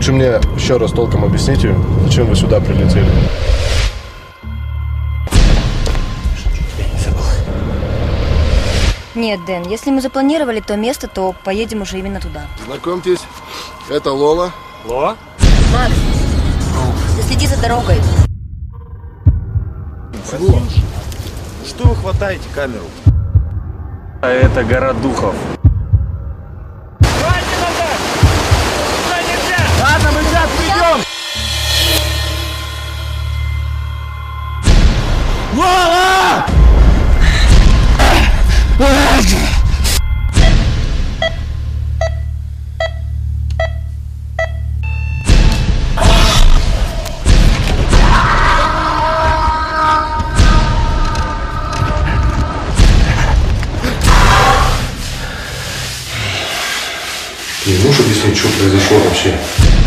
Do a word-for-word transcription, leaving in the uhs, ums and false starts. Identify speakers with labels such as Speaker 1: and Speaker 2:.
Speaker 1: Лучше мне еще раз толком объясните, зачем вы сюда прилетели.
Speaker 2: Нет, Дэн, если мы запланировали то место, то поедем уже именно туда.
Speaker 1: Знакомьтесь, это Лола.
Speaker 3: Лола?
Speaker 2: Макс, ты следи за дорогой.
Speaker 3: Что? Что вы хватаете камеру? А это гора духов. Ладно, мы сейчас придем! Лола!
Speaker 1: Ты не можешь объяснить, что произошло вообще?